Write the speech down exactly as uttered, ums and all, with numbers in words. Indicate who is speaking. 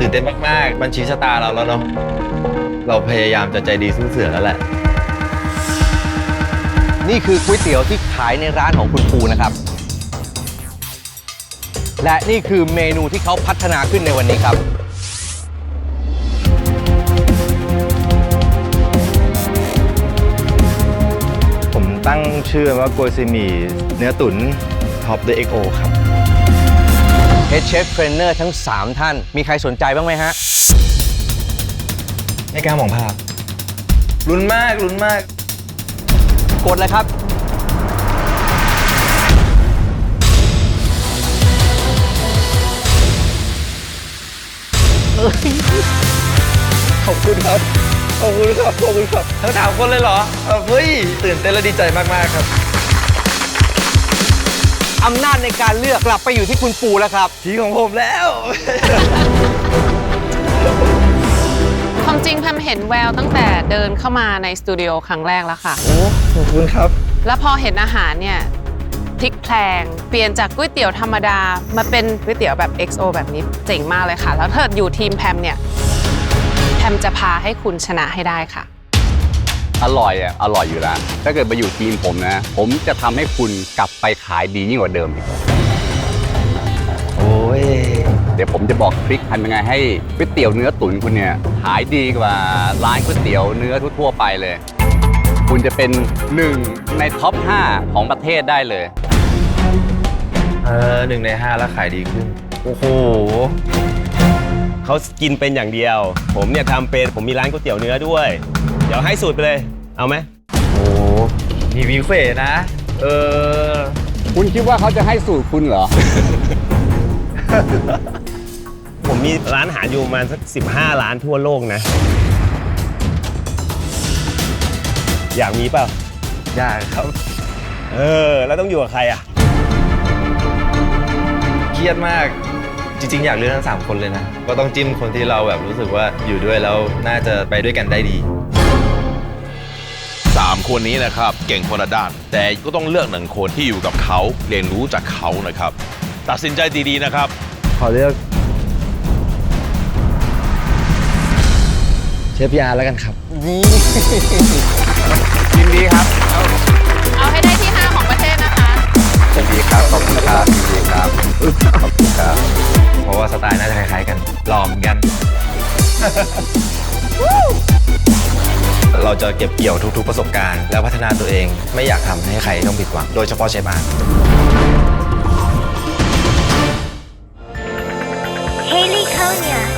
Speaker 1: ตื่นเต้นมากๆมันชี้ชะตาเราแล้วเนาะเราพยายามจะใจดีสู้เสือแล้วแหละ
Speaker 2: นี่คือก๋วยเตี๋ยวที่ขายในร้านของคุณปูนะครับและนี่คือเมนูที่เขาพัฒนาขึ้นในวันนี้ครับ
Speaker 1: ผมตั้งชื่อว่าโกยซีหมี่เนื้อตุ๋นท็อปด้วย เอ็กซ์ โอ ครับ
Speaker 2: เฮดเชฟเทรนเนอร์ทั้งสามท่านมีใครสนใจบ้างไหมฮะ
Speaker 1: ไม่กล้ามองภาพลุ้นมากลุ้นมาก
Speaker 2: กดเลยครับ
Speaker 1: ขอบคุณครับขอบคุณครับขอบคุณครับทั้งสามคนเลยเหรอเฮ้ยตื่นเต้นและดีใจมากๆครับ
Speaker 2: อำนาจในการเลือกกลับไปอยู่ที่คุณปูแล้วครับ
Speaker 1: ทีของผมแล้ว
Speaker 3: ความจริงแพมเห็นแววตั้งแต่เดินเข้ามาในสตูดิโอครั้งแรกแล้วค่ะ
Speaker 1: โอ้ขอบคุณครับ
Speaker 3: แล้วพอเห็นอาหารเนี่ยพลิกแพลงเปลี่ยนจากก๋วยเตี๋ยวธรรมดามาเป็นก๋วยเตี๋ยวแบบ เอ็กซ์ โอ แบบนี้เจ๋งมากเลยค่ะแล้วถ้าอยู่ทีมแพมเนี่ยแพมจะพาให้คุณชนะให้ได้ค่ะ
Speaker 4: อร่อยอ่ะอร่อยอยู่แล้วถ้าเกิดมาอยู่ทีมผมนะผมจะทำให้คุณกลับไปขายดียิ่งกว่าเดิมอีก
Speaker 1: โอ้ย
Speaker 4: เดี๋ยวผมจะบอกทริคทำยังไงให้ก๋วยเตี๋ยวเนื้อตุ๋นคุณเนี่ยขายดีกว่าร้านก๋วยเตี๋ยวเนื้อทั่วๆไปเลยคุณจะเป็นหนึ่งในท็อปห้าของประเทศได้เลย
Speaker 1: เออหนึ่งในห้าแล้วขายดีขึ้นโอ้โห
Speaker 5: เขากินเป็นอย่างเดียวผมเนี่ยทำเป็นผมมีร้านก๋วยเตี๋ยวเนื้อด้วยเดี๋ยวให้สูตรไปเลยเอาไหม
Speaker 1: โอ้มีวิเฟนะเออ
Speaker 4: คุณคิดว่าเขาจะให้สูตรคุณเหรอ
Speaker 5: ผมมีร้านอาหารอยู่ประมาณสักสิบห้าร้านทั่วโลกนะอยากมีเปล่า
Speaker 1: อยากครับ
Speaker 5: เออแล้วต้องอยู่กับใครอ่ะ
Speaker 1: เครียดมากจริงๆอยากเลือกทั้งสามคนเลยนะก็ต้องจิ้มคนที่เราแบบรู้สึกว่าอยู่ด้วยแล้วน่าจะไปด้วยกันได้ดี
Speaker 6: สามคนนี้นะครับเก่งคนละด้านแต่ก็ต้องเลือกหนึ่งคนที่อยู่กับเขาเรียนรู้จากเขานะครับตัดสินใจดีๆนะครับ
Speaker 1: ขอเลือกเชฟยาแล้วกันครับ
Speaker 2: นี่
Speaker 4: ยินดีครับ
Speaker 3: เอาให้ได้ที่ห้าของประเทศนะคะ
Speaker 4: ยินดีครับขอบคุณครับยินดีครับขอบคุณครับ
Speaker 1: เพราะว่าสไตล์น่าจะคล้ายๆกันหล่อเหมือนกัน เราจะเก็บเกี่ยวทุกๆประสบการณ์แล้วพัฒนาตัวเองไม่อยากทำให้ใครต้องผิดหวังโดยเฉพาะเชฟบาร์
Speaker 7: Haley Konya